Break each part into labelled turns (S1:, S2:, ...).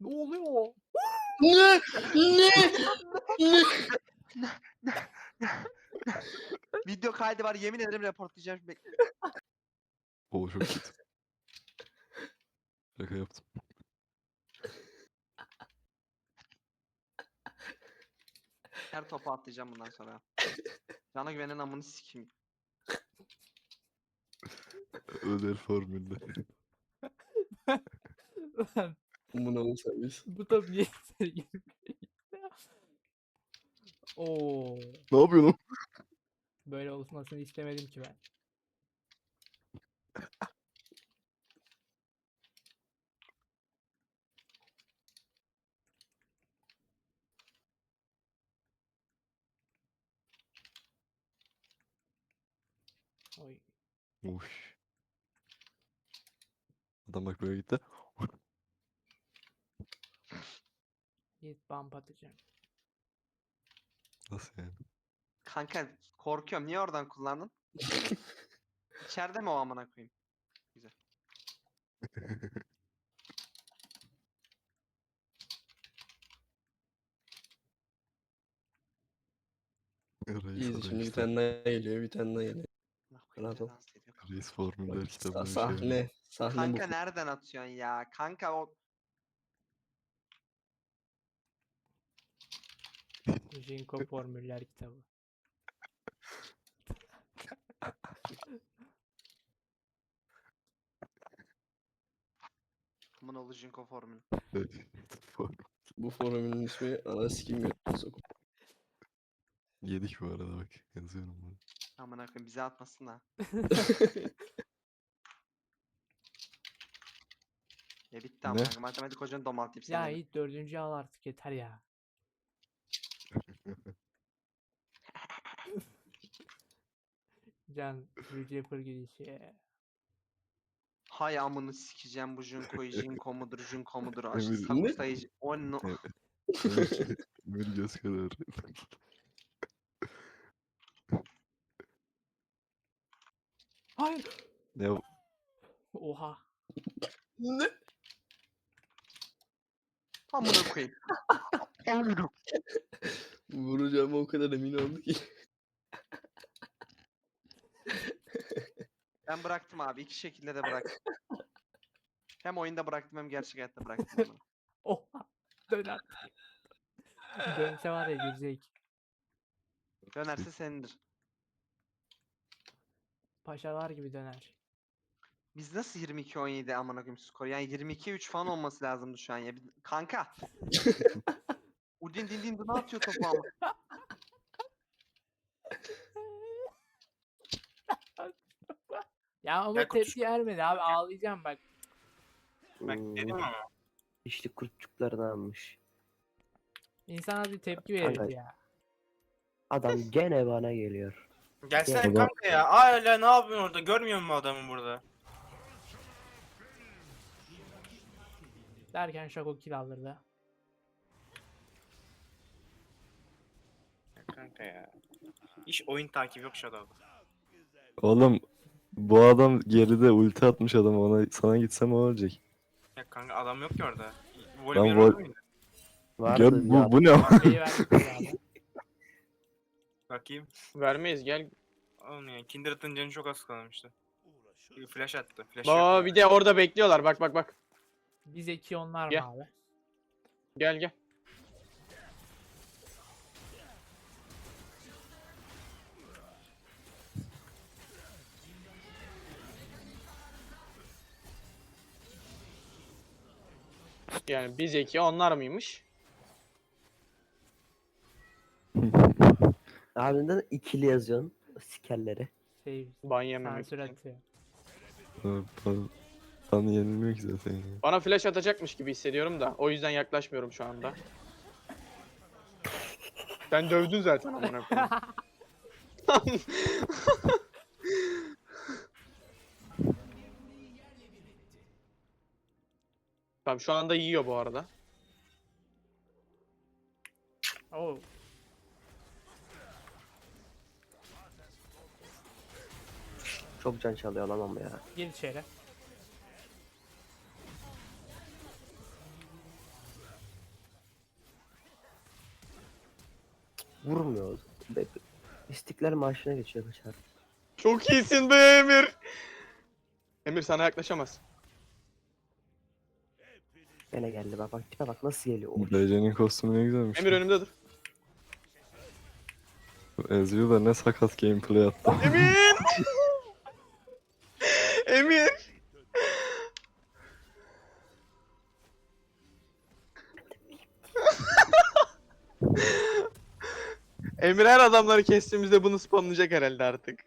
S1: oluyor?
S2: Ne? Ne?
S3: Video kaydı var, yemin ederim reportlayacağım.
S4: O çok kötü. Şaka yaptım.
S3: Her topu atlayacağım bundan sonra. Cana güvenen amını sikeyim.
S4: Öder formülde.
S1: Lan
S2: Buna mı servis?
S1: bu top niye içeri girmiyor? Oo,
S4: Ne yapıyorsun?
S1: böyle olmasını istemedim ki ben. Oy.
S4: Uş. Adam bak böyle gitti.
S1: Git bump atacağım.
S4: Nasıl yani?
S3: Kanka korkuyorum. Niye oradan kullandın? İçeride mi o amına koyayım? Güzel.
S4: Reis
S2: İyiyiz
S4: adam
S2: şimdi bir
S4: işte.
S2: tane daha geliyor, bir tane daha geliyor.
S3: Allah koyayım,
S2: Rahat ol.
S3: dans ediyor.
S4: Reis formüller
S2: Bak,
S4: kitabına bir şey var.
S2: sahne bu.
S3: Kanka nereden atıyorsun ya? Kanka o
S1: Jinko formüller kitabı.
S3: amına oğlu Jinko formülü.
S2: Bu forumun ismi ana sikim götüne sokup.
S4: Yedik bu arada bak. Yazıyorum bunu.
S3: Amına koyayım bize atmasın da. Ya bitti amına koyayım. Matematik hocanı domaltayım seni.
S1: Ya
S3: de.
S1: Yiğit 4. al artık yeter ya. Can Receiver gidişi.
S3: Hay amını sikeceğim bu Jinko'yu. Jinko mudur, Jinko mudur?
S4: Emir,
S3: Sakustayı. O no.
S4: Evet. Emir göz kadar.
S1: Hayır.
S4: Ne o?
S1: Oha.
S2: Ne?
S3: Amına koyayım. Amına.
S2: Vuracağıma o kadar emin oldu ki.
S3: Ben bıraktım abi. İki şekilde de bıraktım. Hem oyunda bıraktım hem gerçek hayatta bıraktım amına.
S1: Oha. Dön artık. Dönse var ya girecek.
S3: Dönerse senindir.
S1: Paşalar gibi döner.
S3: Biz nasıl 22-17 amına koyayım skor? Yani 22-3 falan olması lazımdı şu an ya. Kanka. Udin din din ne atıyor topu ama.
S1: Ya ama
S5: Gel kutuş-
S1: tepki vermedi abi ağlayacağım bak.
S5: Ben dedim ama.
S6: İşte kurtçuklarını almış.
S1: İnsan az bir tepki
S6: Kanka.
S1: verir ya.
S6: Adam gene bana geliyor.
S5: Gelsene
S6: Gel.
S5: kanka ya. Hala ne yapıyorsun orada? Görmüyor musun adamı burada?
S1: Derken Şako kill alırdı.
S5: Ya kanka ya. İş oyun takibi yok Shadow'da.
S4: Oğlum bu adam geride ulti atmış adam ona sana gitsem o olacak.
S5: Ya kanka adam yok ki orada.
S4: Lan
S5: Volibear
S4: vol-
S5: orada mıydı?
S4: Gör,
S6: Vardı ya.
S4: bu ne ama?
S1: Şeyi verdik abi.
S5: Bakayım.
S7: Vermeyiz gel.
S5: Oğlum ya Kindred'ın canı çok az kalmıştı. Bir flash attı. Flash
S7: Baba
S5: yok.
S7: bir de orada bekliyorlar. Bak bak bak.
S1: Biz 2 onlar mı
S7: Gel.
S1: abi?
S7: Gel gel. Yani biz iki onlar mıymış?
S6: Ardından ikili yazıyorsun. Sikerleri.
S1: Şey
S7: Ban yememek
S1: sansür
S7: için.
S1: atıyor.
S4: Sana yenilmiyor ki zaten ya.
S7: Bana flash atacakmış gibi hissediyorum da. O yüzden yaklaşmıyorum şu anda. Sen dövdün zaten amına koyayım. Tamam şu anda yiyor bu arada.
S1: Oo.
S6: Çok can çalıyor lan ama ya.
S1: Gir içeri.
S6: vurmuyor. İstiklal Marşı'na geçiyor kaçar.
S7: Çok iyisin be Emir. Emir sana yaklaşamaz.
S6: Gene geldi bak bak tipe bak nasıl geliyor. Oy.
S4: BC'nin kostümü ne güzelmiş.
S7: Emir önümde dur.
S4: Ezreal da ne sakat gameplay attı.
S7: Emir! Emir! Emir her adamları kestiğimizde bunu spamlayacak herhalde artık.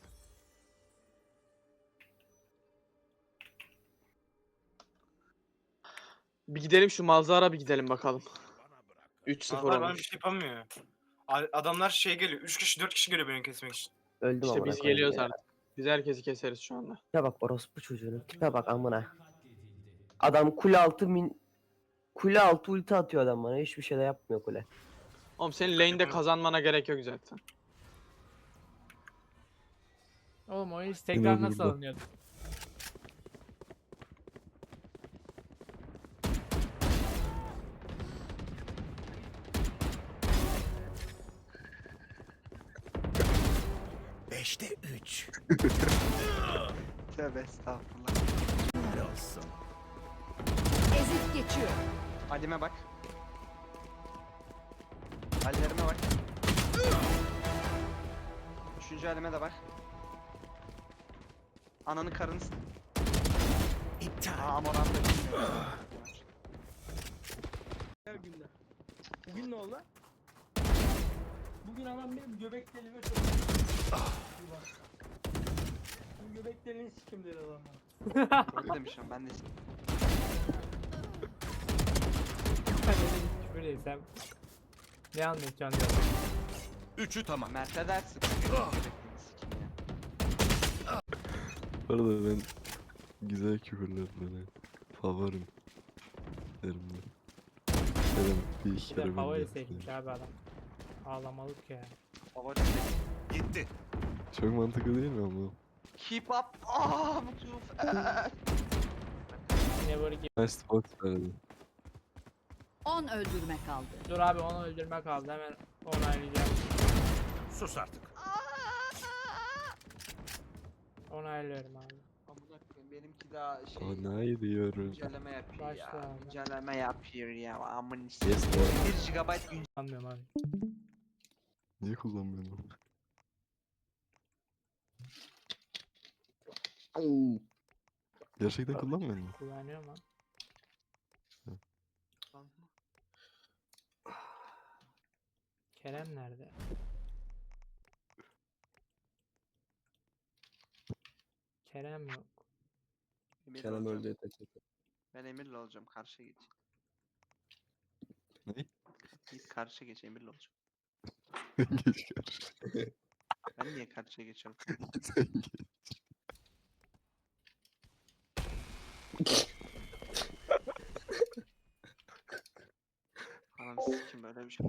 S7: Bir gidelim şu Malzara bir gidelim bakalım. 3-0
S5: Adamlar bana bir
S7: olmuş.
S5: şey yapamıyor. Adamlar şey geliyor. 3 kişi 4 kişi geliyor beni kesmek için.
S6: Öldüm
S7: İşte
S6: amına
S7: biz
S6: koyayım
S7: geliyoruz
S6: ya.
S7: artık. Biz herkesi keseriz şu anda.
S6: Tipe bak orospu çocuğunun tipe bak amına. Adam kule altı ulti atıyor adam bana. Hiçbir şey de yapmıyor kule.
S7: Oğlum senin lane'de kazanmana gerek yok zaten.
S1: Oğlum o iş tekrar nasıl
S4: burada.
S1: alınıyordu?
S3: Tövbe estağfurullah.
S8: Ezip geçiyor.
S3: Halime bak. Hallerime bak. Üçüncü halime de bak. Ananı karını İptal. Amorant da bilmiyorum.
S9: Günler. Bugün ne oldu? Bugün adam benim göbek deliğime çok... Bu göbek deliğini sikim dedi adamlar.
S3: Öyle demişim ben de.
S1: Ben öyle bir küfür etsem. Ne anlatacaksın ya?
S10: Üçü tamam.
S3: Mert'e dersin. Göbek deliğini sikim ya.
S4: Bu arada ben güzel küfürler böyle favorim derim ben. Derim bir iki
S1: Bir de
S4: kere ben
S1: favori
S4: de
S1: seçmiş
S4: yaptım.
S1: abi adam. Ağlamalık ya.
S3: Favori.
S10: Gitti.
S4: Çok mantıklı değil mi ama?
S3: Keep up. Mutlu.
S1: Yine böyle gibi.
S4: Nice spot verdi.
S8: 10 öldürme kaldı.
S1: Dur abi onu öldürme kaldı hemen onaylayacağım.
S10: Sus artık.
S1: Onaylıyorum abi.
S3: Amına koyayım benimki daha şey.
S4: Onay diyoruz.
S3: Güncelleme yapıyor
S1: Başla
S3: ya.
S1: abi.
S3: Güncelleme yapıyor ya. Amın
S4: Yes,
S3: işte.
S4: doğru.
S3: 1 GB güncelleme.
S1: Anlamıyorum abi.
S4: Niye kullanmıyorsun onu? Gerçekten kullanmıyor musun?
S1: Kullanıyorum ama. Kerem nerede? Kerem yok.
S3: Emir'le
S2: Kerem
S3: olacağım.
S2: öldü yeter.
S3: Ben Emir'le olacağım. Karşıya geç.
S4: Ne?
S3: Git karşıya geç Emir'le olacağım.
S4: Geç karşı.
S3: Ben niye karşıya geçiyorum?
S4: Sen geç.
S3: Anam sikim böyle bir şey.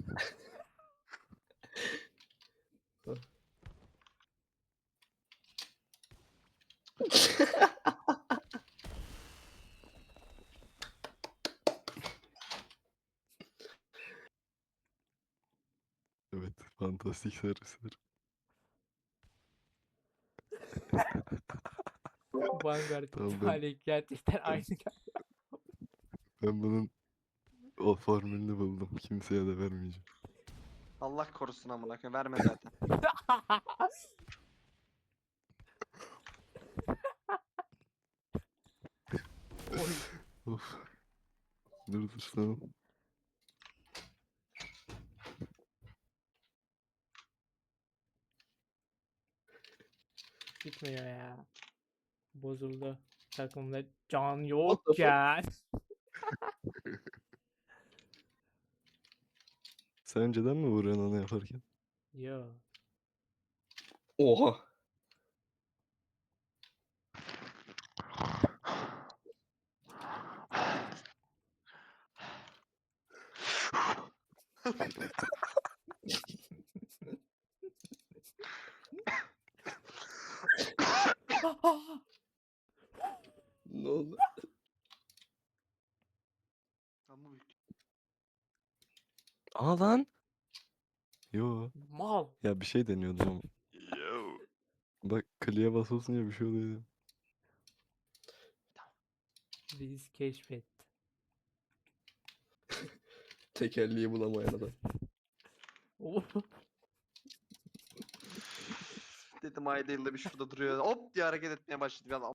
S4: Evet, fantastik servisler.
S1: Vanguard
S4: Tamam, ben-
S1: ihtimali gerçekten aynı.
S4: Ben bunun o formülünü buldum. Kimseye de vermeyeceğim.
S3: Allah korusun amına koyayım. Verme zaten.
S4: Of. Dur tamam.
S1: Gitmiyor ya. Bozuldu. Takımda can yok
S2: What the
S1: ya.
S4: Sen önceden mi vuruyorsun onu yaparken?
S1: Yo.
S2: Oha. Ne oldu?
S3: Ama büyük.
S4: Aa lan. Yo.
S1: Mal.
S4: Ya bir şey deniyordum ama. Bak kliğe basıyorsun ya bir şey oluyor.
S1: Reis keşfetti.
S2: Tekerleği bulamayan adam.
S3: Dedim ayda yılda bir şurada duruyor. Hop diye hareket etmeye başladı. Bir anda